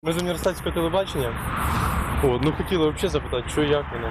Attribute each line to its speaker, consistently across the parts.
Speaker 1: Ми з університетського телебачення. От, ну хотіли взагалі запитати, що і як воно.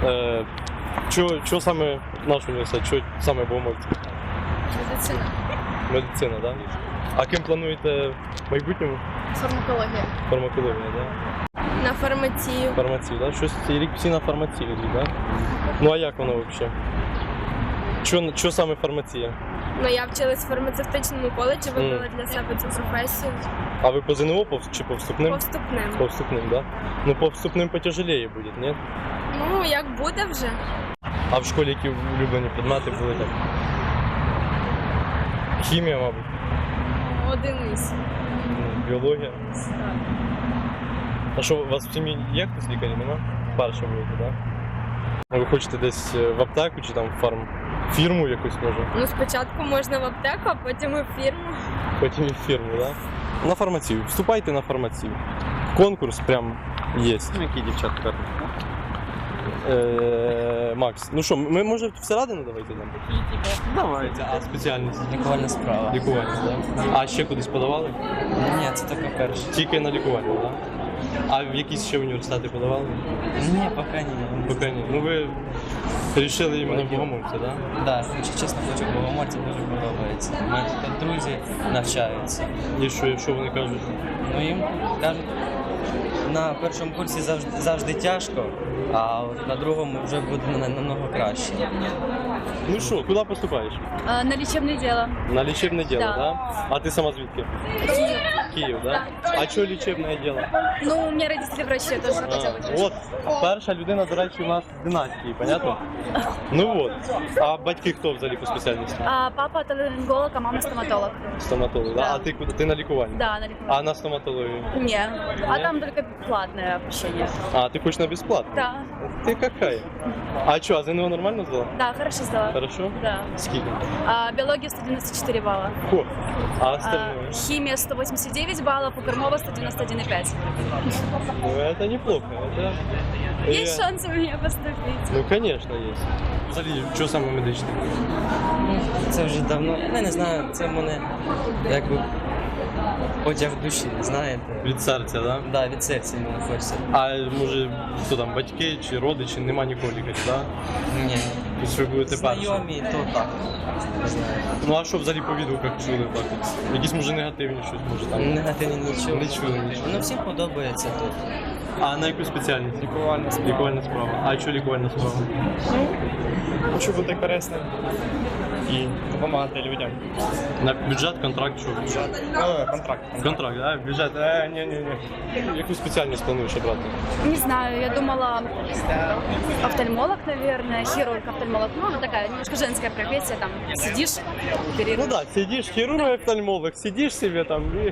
Speaker 1: Що саме наш університет, що саме Богомольця?
Speaker 2: Медицина.
Speaker 1: Медицина, так? Да? А ким плануєте в майбутньому?
Speaker 2: Фармакологія.
Speaker 1: Фармакологія, так? Да?
Speaker 2: На фармацію.
Speaker 1: Фармацію, так? Да? Щось цей рік всі на фармацію йдуть, так? Да? Ну а як воно взагалі? Що саме фармація?
Speaker 2: Ну, я вчилась в фармацевтичному коледжі, вибрала для себе цю професію.
Speaker 1: А ви по ЗНО чи по вступним?
Speaker 2: По вступним.
Speaker 1: По вступним, так? Да? Ну по вступним потяжелее буде, ні?
Speaker 2: Ну, як буде вже.
Speaker 1: А в школі які улюблені предмети були так? Хімія, мабуть.
Speaker 2: Одиниць.
Speaker 1: Біологія. А що, у вас в сім'ї є хтось лікарі, нема? Перша будете, так? Да? Ви хочете десь в аптеку чи там в фірму якусь може?
Speaker 2: Ну, спочатку можна в аптеку, а потім і в фірму.
Speaker 1: Потім і в фірму, так? Да? На фармацію. Вступайте на фармацію. Конкурс прям є.
Speaker 3: Які дівчатка?
Speaker 1: Макс, ну що, ми може всередину давайте йдемо?
Speaker 3: Давайте.
Speaker 1: А спеціальність?
Speaker 3: Лікувальна справа.
Speaker 1: Лікування, так? А ще кудись подавали?
Speaker 3: Ні, це тільки перше.
Speaker 1: Тільки на лікування, так? А в якісь ще університети подавали?
Speaker 3: Ні, поки ні.
Speaker 1: Поки ні. Ну ви вирішили іменно Богомольця, так? Да?
Speaker 3: Так, якщо чесно, хочу Богомольця, дуже подобається. У мене тут друзі навчаються.
Speaker 1: І що вони кажуть?
Speaker 3: Ну їм кажуть, на першому курсі завжди тяжко, а от на другому вже буде намного краще.
Speaker 1: Ну що, куди поступаєш?
Speaker 4: На лечебное дело.
Speaker 1: На лічебне діло,
Speaker 4: Да.
Speaker 1: да? А ти сама звідки? Київ, да? А що лічебне діло?
Speaker 4: Ну, у меня родители врачи, я тоже хотела быть.
Speaker 1: От, перша людина, до речі, у нас з династії, понятно? Ну от. А батьки хто взагалі по спеціальності?
Speaker 4: А папа отоларинголог, а мама стоматолог.
Speaker 1: Стоматолог, да?
Speaker 4: Да.
Speaker 1: А ти куди? Ти на лікуванні?
Speaker 4: Да, на лечебное.
Speaker 1: А на стоматологію?
Speaker 4: Не. А
Speaker 1: Не?
Speaker 4: там только платное обучение.
Speaker 1: А, ти хочеш на безплатно?
Speaker 4: Да.
Speaker 1: Ти какая? А що, а ЗНО нормально здала?
Speaker 4: Да, хорошо сдала.
Speaker 1: Хорошо?
Speaker 4: Да.
Speaker 1: Скільки?
Speaker 4: Биология 194 балла.
Speaker 1: Фу. А остальное?
Speaker 4: Химия 189 баллов, у Кормова 191,5.
Speaker 1: Ну, это неплохо. Это...
Speaker 4: Есть шанс у меня поступить.
Speaker 1: Ну, конечно, есть. Взагалі, що саме медичне?
Speaker 3: Ну, це вже давно, я не знаю, це в мене якби потяг душі, знаєте.
Speaker 1: Від серця, да?
Speaker 3: Да, від серця мені хочеться.
Speaker 1: А може, хто там, батьки чи родичі, нема нікого лікаря, да?
Speaker 3: Ні.
Speaker 1: Тобто ви будете перші?
Speaker 3: Знайомі, то так. Не знаю.
Speaker 1: Ну, а що взагалі по відгуках чули так? От? Якісь, може, негативні щось, може там?
Speaker 3: Негативні нічого.
Speaker 1: Не чули нічого.
Speaker 3: Ну всім подобається тут.
Speaker 1: А на яку спеціальність?
Speaker 3: Лікувальна справа.
Speaker 1: Лікувальна справа. А що лікувальна справа?
Speaker 5: Хочу бути корисним і допомагати людям.
Speaker 1: На бюджет, контракт, що?
Speaker 5: Контракт.
Speaker 1: Контракт, да? Бюджет? Ні. Яку спеціальність плануєш обрати?
Speaker 4: Не знаю, я думала офтальмолог, наверное, хирург-офтальмолог. Ну, она такая немножко женская профессия, там сидишь,
Speaker 1: Ну
Speaker 4: оперируешь.
Speaker 1: да, сидишь, хирург-офтальмолог, сидишь себе там и...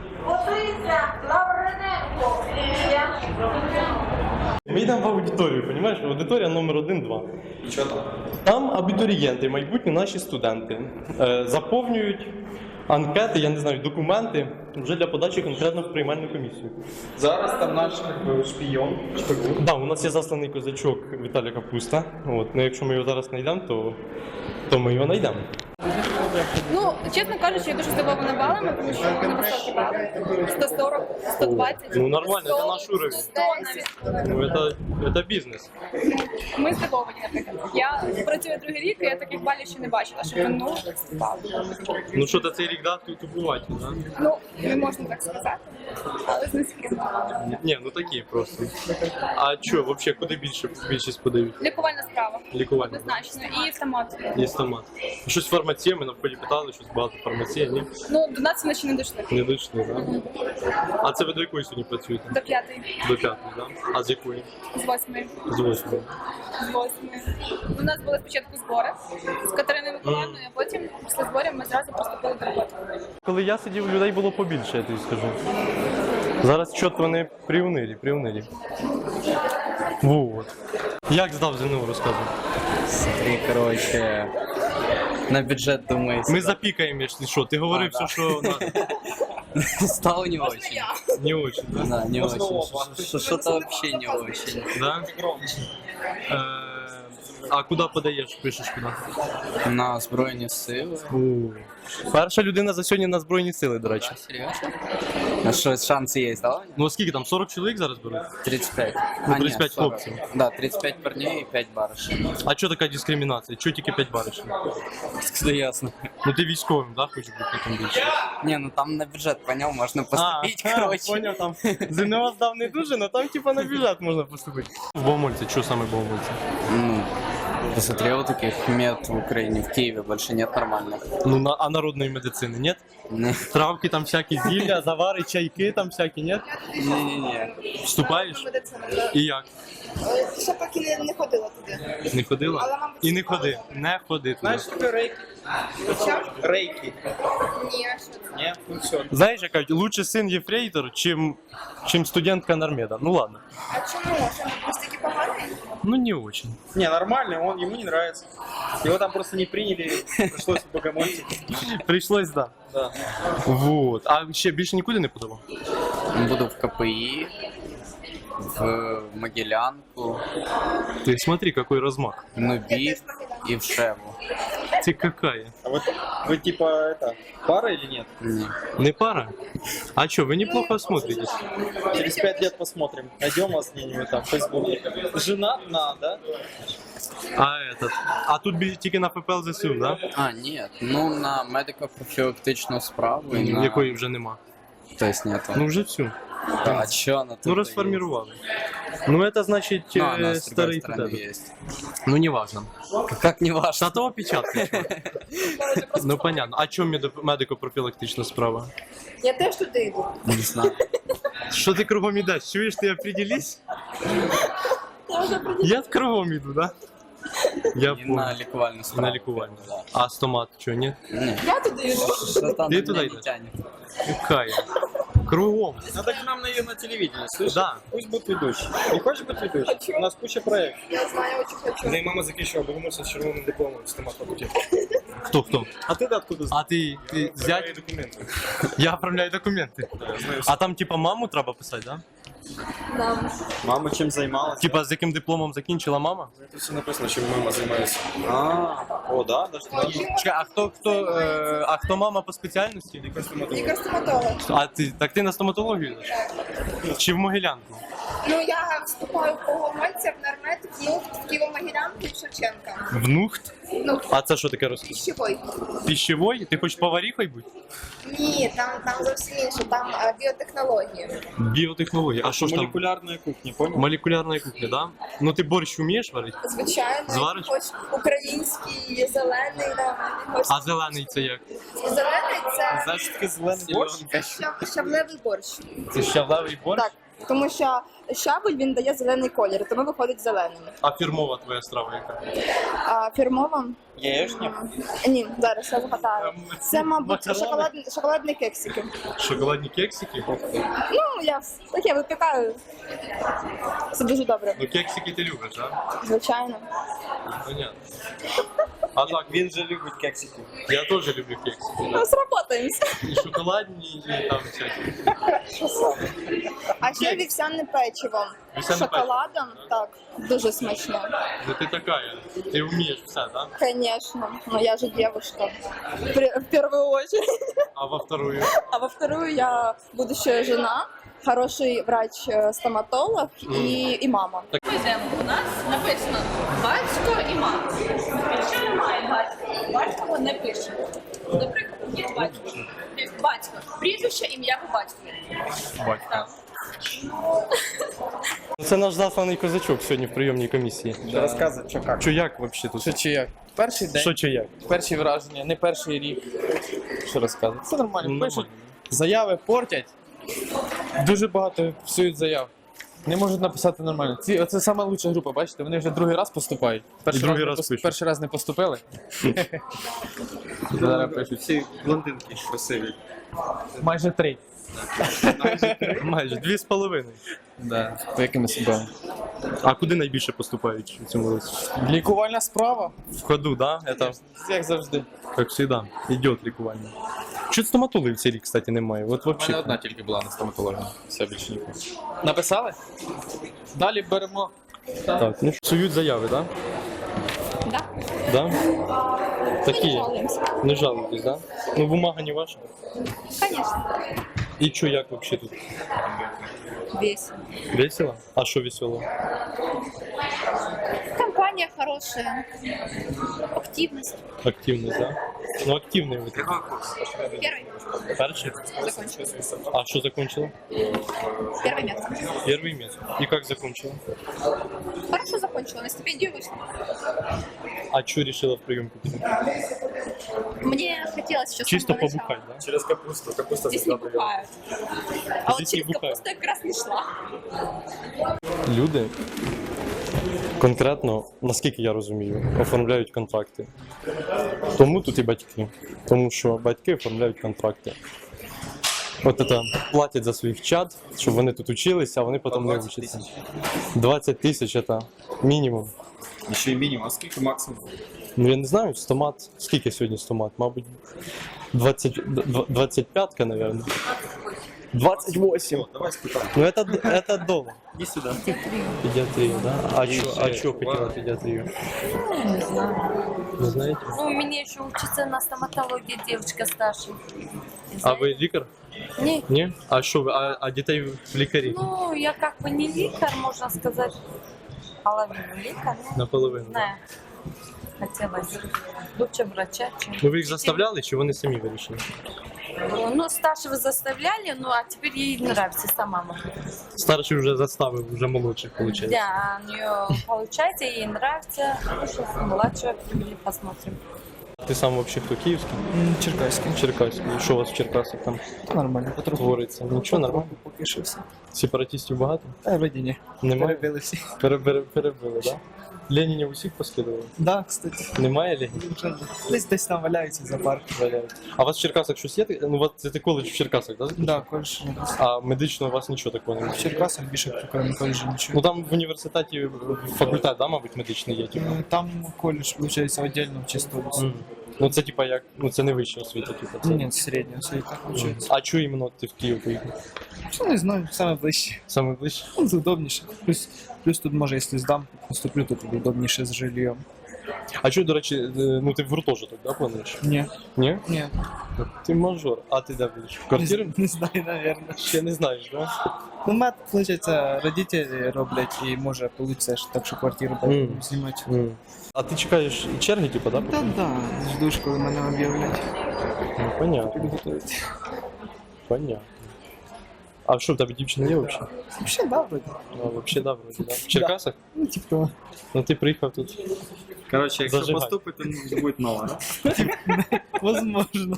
Speaker 1: Ми йдемо в аудиторію, розумієш? Аудиторія номер 1-2.
Speaker 5: І що там?
Speaker 1: Там абітурієнти, майбутні наші студенти, заповнюють анкети, я не знаю, документи вже для подачі конкретно в приймальну комісію.
Speaker 5: Зараз там наш шпійон, шпигун.
Speaker 1: Да, у нас є засланий козачок Віталій Капуста. От, ну, якщо ми його зараз знайдемо, то ми його знайдемо.
Speaker 6: Ну, чесно кажучи, я дуже здивована балами, тому що вони високі бали. 140, 120.
Speaker 1: Ну нормально, це
Speaker 6: 100,
Speaker 1: наш уровень.
Speaker 6: 100 навіть.
Speaker 1: Ну, це бізнес.
Speaker 6: Ми здивовані, наприклад. Я працюю другий рік, і я таких балів ще не бачила, що ну, впав.
Speaker 1: Ну що, цей рік дав тупувати, да?
Speaker 6: Ну, не можна так сказати, але з низьким.
Speaker 1: Ні, ну такі просто. А що, взагалі, куди більшість подають?
Speaker 6: Лікувальна справа.
Speaker 1: Лікування.
Speaker 6: Однозначно. І стомат.
Speaker 1: Є стомат. Щось фармація, ми навколі питали, щось багато фармація, ні?
Speaker 6: Ну, до нас вони ще не дійшли.
Speaker 1: Не дійшли, так? А це ви до якої сьогодні працюєте?
Speaker 6: До 5-ї,
Speaker 1: До 5, так? А з якої?
Speaker 6: з 8-ї.
Speaker 1: З 8.
Speaker 6: З 8-ї. У нас були спочатку збори з Катериною Миколаївною, а потім після зборів ми зразу приступили до роботи.
Speaker 1: Коли я сидів, людей було побільше, я тобі скажу. Зараз чот вони приунилі. Вот. Як здав ЗНО, розказуй.
Speaker 3: Смотри, короче, на бюджет думаю.
Speaker 1: Ми запікаємо, якщо що. Ти говорив все, що надо.
Speaker 3: Стало не очень.
Speaker 1: Не очень, да?
Speaker 3: Да, не очень. Что-то вообще не очень.
Speaker 1: Да? А куди подаєш, пишеш куди?
Speaker 7: На Збройні сили.
Speaker 1: Перша людина за сьогодні на Збройні Сили, до речі.
Speaker 7: Серйозно? А що, шанси є, да?
Speaker 1: Ну а скільки там, 40 чоловік зараз беруть?
Speaker 7: 35.
Speaker 1: Ну, 35 хлопців.
Speaker 7: Да, 35 парней і 5 барышень.
Speaker 1: А чого така дискримінація? Чого тільки 5 баришень?
Speaker 7: Це ясно.
Speaker 1: Ну ти військовим, да, хочеш бути там більше?
Speaker 7: Ні, ну там на бюджет, поняв, можна поступити, коротше.
Speaker 1: Поняв, там ЗНО здав не дуже, але там типа на бюджет можна поступити. В Богомольці, що саме в Богомольці?
Speaker 7: Ну, посмотрел таких мед в Украине, в Киеве больше нет нормальных.
Speaker 1: Ну, а народної медицини, нет?
Speaker 7: Не.
Speaker 1: Травки там всякі, зілля, завари, чайки там всякі, нет?
Speaker 7: Не-не-не.
Speaker 1: Вступаєш? І як?
Speaker 6: Ще поки не ходила туди.
Speaker 1: Не ходила? І не ходи. Не ходи туди.
Speaker 5: Что рейки?
Speaker 6: Що?
Speaker 5: Рейки.
Speaker 6: Ні, а що це?
Speaker 5: Нет, ну все.
Speaker 1: Знаєш, яка лучше син єфрейтор, чим студентка Нормеда. Ну ладно.
Speaker 6: А чому? Що він настільки поганий?
Speaker 1: Ну не очень.
Speaker 5: Не, нормально, ему не нравится. Его там просто не приняли, пришлось в Богомольце.
Speaker 1: Пришлось, да.
Speaker 5: Да.
Speaker 1: Вот. А ще більше нікуди не подавав?
Speaker 7: Буду в КПИ, в Могилянку,
Speaker 1: Ты смотри, какой размах.
Speaker 7: в НУБИ и в Шеву.
Speaker 1: Ты какая?
Speaker 5: А вот вы типа это, пара или нет?
Speaker 7: Не.
Speaker 1: Не пара? А чё, вы неплохо смотритесь.
Speaker 5: Через 5 лет посмотрим. Найдем вас где-нибудь там в Фейсбуке. Женат на, да?
Speaker 1: А тут тільки на ФПЛ ЗСУ, да?
Speaker 7: А, нет, ну на медико-профілактичну справу і на...
Speaker 1: Якої вже нема.
Speaker 7: То есть нету.
Speaker 1: Ну вже всю.
Speaker 7: А чё она тут?
Speaker 1: Ну розформірували. Ну это значит
Speaker 7: Ну, она с другой
Speaker 1: старий
Speaker 7: стороны
Speaker 1: тебе.
Speaker 7: есть.
Speaker 1: Ну не важно.
Speaker 7: Как не важно?
Speaker 1: Та того печатка. Ну понятно. А чому медико-профілактична справа?
Speaker 6: Я теж туди йду.
Speaker 7: Не знаю.
Speaker 1: Що ти кругом ідеш? Чуєш, ти определись? Я кругом іду, да? Я
Speaker 7: І на
Speaker 1: понял.
Speaker 7: лікувальну справу.
Speaker 1: На лікування.
Speaker 7: Да.
Speaker 1: А стомат, що, ні?
Speaker 7: Ні.
Speaker 6: Я туди йду.
Speaker 7: Что-то
Speaker 1: Ты
Speaker 7: она
Speaker 1: туда
Speaker 7: меня
Speaker 1: идешь?
Speaker 7: не тянет.
Speaker 1: Какая? Кругом.
Speaker 5: Надо к нам на телевидение, слышишь?
Speaker 1: Да.
Speaker 5: Пусть будет ведущий. Не хочешь быть ведущим?
Speaker 6: Хочу.
Speaker 5: У нас куча проектов.
Speaker 6: Я знаю, очень хочу.
Speaker 5: Да и мама закінчила Богомольця з червоним дипломом з стоматології.
Speaker 1: Хто?
Speaker 5: А ти откуда знаєш?
Speaker 1: А ти зять?
Speaker 5: Документи.
Speaker 1: Я оформляю документи. А там типа маму треба писати, да?
Speaker 5: Мама чим займалася?
Speaker 1: Типа з яким дипломом закінчила мама?
Speaker 5: Тут все написано, чим мама займається. О, да? Даже
Speaker 1: Чекай, а хто мама по спеціальності?
Speaker 6: Лікар-стоматолог.
Speaker 1: А так ти на стоматологію йдеш? Чи в Могилянку?
Speaker 6: Ну, я вступаю в Богомольця, в Нормет, в Києво-Могилянку і в Шевченка.
Speaker 1: В Нухт?
Speaker 6: Ну,
Speaker 1: А це що таке розкажи?
Speaker 6: пищевой.
Speaker 1: Пищевой? Ти хочеш поваріхою бути?
Speaker 6: Ні, там зовсім інше, там біотехнології.
Speaker 1: Біотехнології. А що ж там?
Speaker 5: молекулярної кухні, понял?
Speaker 1: Молекулярна кухня, да? Ну ти борщ вмієш варити?
Speaker 6: Звичайно,
Speaker 1: Звариш?
Speaker 6: хоч український, зелений, да, хоч...
Speaker 1: А зелений це як?
Speaker 6: Зелений це
Speaker 5: Значить, таки зелений борщ?
Speaker 6: щавлевий борщ.
Speaker 1: Це щавлевий борщ?
Speaker 6: Так, тому що щавель, він дає зелений колір, тому виходить зеленим.
Speaker 1: А фірмова твоя страва яка?
Speaker 6: А фірмова?
Speaker 5: Яєшня?
Speaker 6: Ні, зараз я згадаю. Це, мабуть,
Speaker 1: Макарони?
Speaker 6: шоколадні кексики.
Speaker 1: Шоколадні кексики?
Speaker 6: Ну, я таке випікаю. Це дуже добре,
Speaker 1: Ну кексики ти любиш, да?
Speaker 6: звичайно.
Speaker 1: Понятно. А так,
Speaker 5: Він же любить кексики.
Speaker 1: я теж люблю кексики.
Speaker 6: Ну, сработаємося.
Speaker 1: І шоколадні, і там всякі.
Speaker 6: А ще вівсяне печиво.
Speaker 1: Вівсяне
Speaker 6: З шоколадом, так, дуже смачно.
Speaker 1: Ну ти така, ти вмієш все, да?
Speaker 6: Конечно, но я же девушка. В первую очередь.
Speaker 1: А во вторую?
Speaker 6: А во вторую я будущая жена, хороший врач-стоматолог и мама.
Speaker 8: Ми йдемо. У нас написано батько і мама. Якщо немає батька, батько не пише. Наприклад, є батько. Батько. Прізвище, ім'я по батькові.
Speaker 1: Батько. Це наш засланий козачок сьогодні в прийомній комісії.
Speaker 5: Розказуй, що як.
Speaker 1: Що як взагалі тут?
Speaker 9: Що чи як? Перший день,
Speaker 1: Що чи як?
Speaker 9: перші враження, не перший рік. Що розказувати? Це нормально.
Speaker 1: Ну,
Speaker 9: Пишуть,
Speaker 1: нормально.
Speaker 9: заяви портять. Дуже багато псують заяв. Не можуть написати нормально. Оце сама лучша група, бачите, вони вже другий раз поступають.
Speaker 1: другий раз пишуть.
Speaker 9: Перший раз не поступили. Зараз пишуть.
Speaker 5: Всі блондинки красиві.
Speaker 9: Майже 3.
Speaker 1: Майже 2,5.
Speaker 9: Да. По якими судами?
Speaker 1: А куди найбільше поступають у цьому році?
Speaker 9: Лікувальна справа,
Speaker 1: В ходу, да? Это,
Speaker 9: як завжди.
Speaker 1: как всегда, идет лікування. Чуть стоматологів в цей рік, кстати, немає. От
Speaker 9: У мене
Speaker 1: вообще.
Speaker 9: одна тільки була на стоматології. Все більше нікого. Написали? Далі беремо.
Speaker 1: Так, ну псують заяви, да? Да? Такие.
Speaker 6: жалуемся.
Speaker 1: Не жалуйтесь, да? Ну, бумага не ваша.
Speaker 6: Конечно.
Speaker 1: И чё, як вообще тут?
Speaker 6: Весело.
Speaker 1: Весело? А что весело?
Speaker 6: Компания хорошая. Активность.
Speaker 1: Активность, да? Ну, активный вы тут.
Speaker 6: Первый
Speaker 1: Перший?
Speaker 6: закончился.
Speaker 1: А что закончила?
Speaker 6: Первый место.
Speaker 1: Первый месяц. И как закончила?
Speaker 6: Хорошо закончила, на стипендию вышла.
Speaker 1: А что решила в приемку?
Speaker 6: Мне хотелось еще с
Speaker 1: Чисто
Speaker 6: самого начала.
Speaker 1: побухать, да?
Speaker 5: Через капусту. Капуста
Speaker 6: Здесь не бухают. А вот
Speaker 1: Здесь не
Speaker 6: через
Speaker 1: бухают.
Speaker 6: капусту я как раз не шла.
Speaker 1: Люди конкретно, наскільки я розумію, оформляють контракти. Тому тут і батьки. Тому що батьки оформляють контракти. От це платять за своїх чад, щоб вони тут училися, а вони потім не вчаться. 20 тисяч це мінімум.
Speaker 5: Еще и минимум. А сколько максимум?
Speaker 1: Ну я не знаю, стомат. Скільки сьогодні стомат? Мабуть, 25-ка, мабуть. 28.
Speaker 5: Давай испытаем.
Speaker 1: Ну это дома.
Speaker 5: Иди сюда.
Speaker 1: Педиатрию, да? А
Speaker 5: Езжай,
Speaker 1: чё хотела
Speaker 5: ладно.
Speaker 1: педиатрию? Не знаю. Не знаете?
Speaker 10: Ну, у меня еще учится на стоматологии девочка старшая.
Speaker 1: А ви лікар?
Speaker 10: Не,
Speaker 1: Ні? А що ви? А дітей в лікарі?
Speaker 10: ну, я как бы не лекарь, можно сказать, половину лекарь, ну,
Speaker 1: Наполовину.
Speaker 10: не знаю. Хотелось лучше врача, чем...
Speaker 1: Ну ви їх заставляли, чи вони самі вирішили?
Speaker 10: Ну, старшего заставляли, ну, а теперь ей нравится сама мама.
Speaker 1: Старший вже заставив, вже молодших, виходить.
Speaker 10: Да, у нее получается, ей нравится. Ну, сейчас младшего привели, посмотрим.
Speaker 1: Ти сам взагалі хто, київський?
Speaker 9: Черкаський.
Speaker 1: Черкаський. І що у вас в Черкасах там
Speaker 9: Нормально, потроху.
Speaker 1: твориться? Нічого, нормально?
Speaker 9: Поки що все.
Speaker 1: Сепаратистів багато?
Speaker 9: Та вроді ні.
Speaker 1: Немає?
Speaker 9: Перебили всі.
Speaker 1: Перебили, так? Да? Ленінів усіх поскидували?
Speaker 9: Да, кстати.
Speaker 1: Немає Ленінів?
Speaker 9: Десь там валяються за парк.
Speaker 1: А у вас в Черкасах щось є? Ну, у вас це коледж в Черкасах, так? Да?
Speaker 9: Да, коледж.
Speaker 1: А медично у вас нічого такого немає?
Speaker 9: В Черкасах більше крім коледжу
Speaker 1: Ну
Speaker 9: нічого.
Speaker 1: там в університеті факультет, да, мабуть, медичний є, типу.
Speaker 9: Там коледж, виходить, віддільно в чистому.
Speaker 1: Ну це типа як, ну це не вища освіта, типу. Це...
Speaker 9: Ні, середня освіта, виходить.
Speaker 1: А чого іменно ти в Київ поїхав?
Speaker 9: Що не знаю, саме ближче.
Speaker 1: Саме ближче?
Speaker 9: Ну, це удобніше. Плюс тут може, якщо здам, поступлю, то тобі удобніше з жильйом.
Speaker 1: А чого, до речі, ну ти в гуртожиток, да, плануєш?
Speaker 9: Ні.
Speaker 1: Ні?
Speaker 9: Ні.
Speaker 1: Ти мажор. А ти де будеш? В квартирі?
Speaker 9: Не знаю, наверное.
Speaker 1: Ще не знаєш, да?
Speaker 9: Ну, мат, виходить, родителі роблять і може вийде, так що квартиру будемо знімати.
Speaker 1: А ти чекаєш черги, типу, да?
Speaker 9: Та да, ждеш, коли мене об'являть.
Speaker 1: Ну, понятно.
Speaker 9: Підготують.
Speaker 1: Понятно. А що, в тебе дівчина є взагалі?
Speaker 9: Взагалі, да, вроді.
Speaker 1: Ну, взагалі, да, вроді, да. В Черкасах?
Speaker 9: Ну, типу того.
Speaker 1: Ну ти приїхав тут.
Speaker 5: Короче, если
Speaker 1: Зажигай.
Speaker 5: поступит, то будет новое, да?
Speaker 9: Возможно.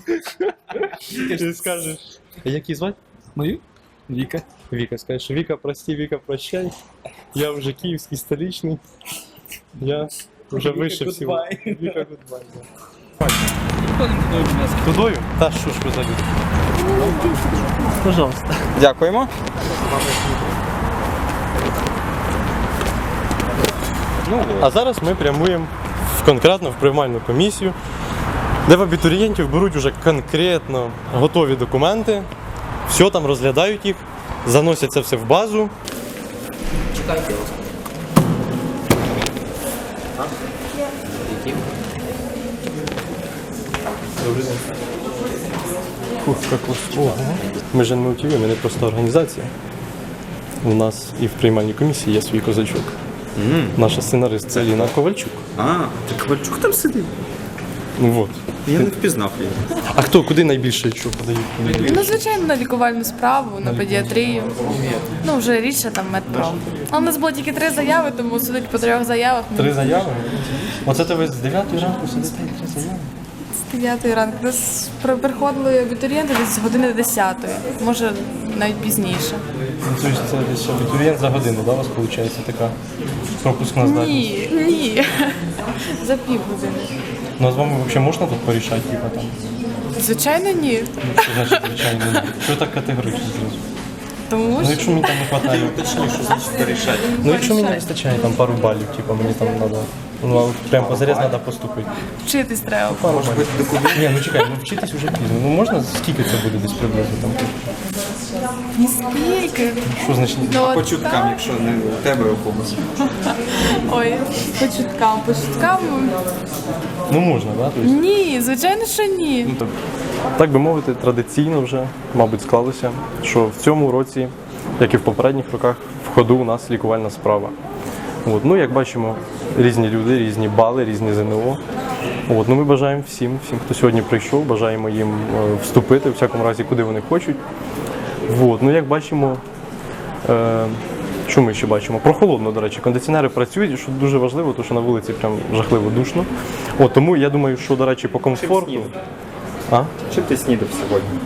Speaker 1: Ти скажеш. Як її звати?
Speaker 9: Мою? Віка.
Speaker 1: Віка, скажеш, Віка, прости, Віка, прощай. Я вже київський, столичний. Я вже вище всього.
Speaker 5: goodbye.
Speaker 1: Віка, гудбай. Тудою? Та що ж ви за люди? Пожалуйста.
Speaker 5: Дякуємо.
Speaker 1: А зараз ми прямуємо конкретно в приймальну комісію, де в абітурієнтів беруть уже конкретно готові документи, все там розглядають їх, заносять це все в базу. Добрий день. Ух, як ось. Ого. Ми ж не мотивуємо, ми не просто організація. У нас і в приймальній комісії є свій козачок. Наша сценарист це Ліна Ковальчук.
Speaker 5: А, так Ковальчук там сидить?
Speaker 1: Ну от.
Speaker 5: Я не впізнав її.
Speaker 1: А хто куди найбільше що подають?
Speaker 2: Ну, звичайно, на лікувальну справу, на педіатрію. Ну, вже рідше там медпром. А у нас було тільки 3 заяви, тому судить по 3 заявах.
Speaker 1: 3 заяви? Оце ти ви з 9 ранку сидите 3 заяви?
Speaker 2: З 9 ранку. Десь приходили абітурієнти десь з години 10, може навіть пізніше.
Speaker 1: Ну, це десь абітурієнт за годину, да, у вас виходить така пропускна здатність?
Speaker 2: Ні. За півгодини.
Speaker 1: Ну, а з вами взагалі можна тут порішати, типа там?
Speaker 2: Звичайно, ні.
Speaker 1: Що значить, звичайно, ні? Що так категорично зразу?
Speaker 2: Тому
Speaker 1: Ну,
Speaker 2: що
Speaker 1: якщо мені там не вистачає,
Speaker 5: Точніше, що значить порішати.
Speaker 1: ну, якщо мені не вистачає там пару балів, типа мені там треба, ну, а прям позарез треба поступити.
Speaker 2: вчитись треба.
Speaker 1: Пару балів. Ні, ну чекай, ну вчитись вже пізно. Ну можна, скільки це буде десь приблизно там?
Speaker 2: Ніскільки.
Speaker 1: Що значить?
Speaker 2: Ну,
Speaker 11: По
Speaker 2: от
Speaker 11: чуткам,
Speaker 2: так.
Speaker 11: якщо не у тебе у комусь.
Speaker 2: Ой, по чуткам. По чуткам.
Speaker 1: Ну можна, да? Тобто,
Speaker 2: Ні, звичайно, що ні.
Speaker 1: ну, так би мовити, традиційно вже, мабуть, склалося, що в цьому році, як і в попередніх роках, в ходу у нас лікувальна справа. От, ну, як бачимо, різні люди, різні бали, різні ЗНО. От, ну, ми бажаємо всім, хто сьогодні прийшов, бажаємо їм вступити, в всякому разі, куди вони хочуть. От, ну, як бачимо, що ми ще бачимо? Прохолодно, до речі, кондиціонери працюють, що дуже важливо, тому що на вулиці прям жахливо душно. От, тому я думаю, що, до речі, по комфорту. А?
Speaker 11: Чим ти снідав сьогодні?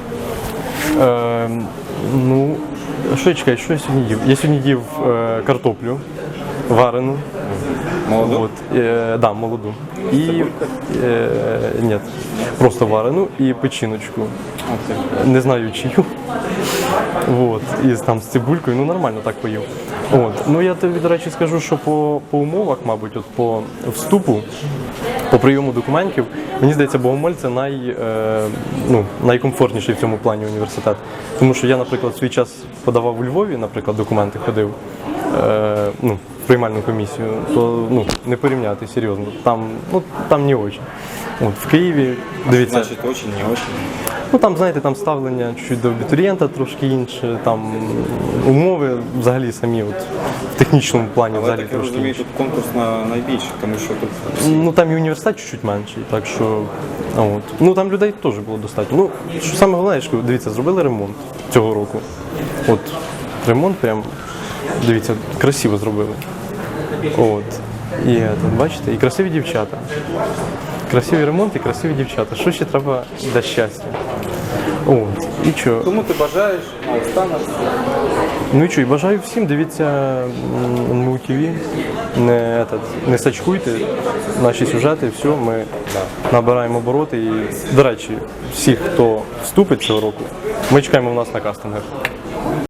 Speaker 1: Ну, що я чекаю, що я сьогодні їв? Я сьогодні їв картоплю варену.
Speaker 11: Молоду?
Speaker 1: От, да, молоду. І, ні, просто варену і печіночку. Не знаю чию. От, і там з цибулькою, ну нормально так поїв. От. Ну я тобі, до речі, скажу, що по умовах, мабуть, от по вступу, по прийому документів, мені здається, Богомоль це найкомфортніший в цьому плані університет. Тому що я, наприклад, свій час подавав у Львові, наприклад, документи ходив, в приймальну комісію, то не порівняти серйозно. Там не очень. От, в Києві, дивіться.
Speaker 11: Значить, очень, не очень.
Speaker 1: Ну там, знаєте, там ставлення чуть до абітурієнта трошки інше, там умови взагалі самі от, в технічному плані
Speaker 11: Але
Speaker 1: взагалі
Speaker 11: так я
Speaker 1: трошки
Speaker 11: розумію,
Speaker 1: інші.
Speaker 11: тут конкурс найбільший, тому що тут
Speaker 1: Ну там і університет чуть-чуть менший, так що от. Ну там людей теж було достатньо. Ну, що саме головне, що, дивіться, зробили ремонт цього року. От ремонт прям, дивіться, красиво зробили. От. І бачите, і красиві дівчата. Красивий ремонт і красиві дівчата. Що ще треба для щастя? От. І що?
Speaker 11: кому ти бажаєш, а останок.
Speaker 1: Ну і що, і бажаю всім, дивіться НМУ ТВ, не сачкуйте наші сюжети, все, ми набираємо обороти. І, до речі, всіх, хто вступить цього року, ми чекаємо в нас на кастингах.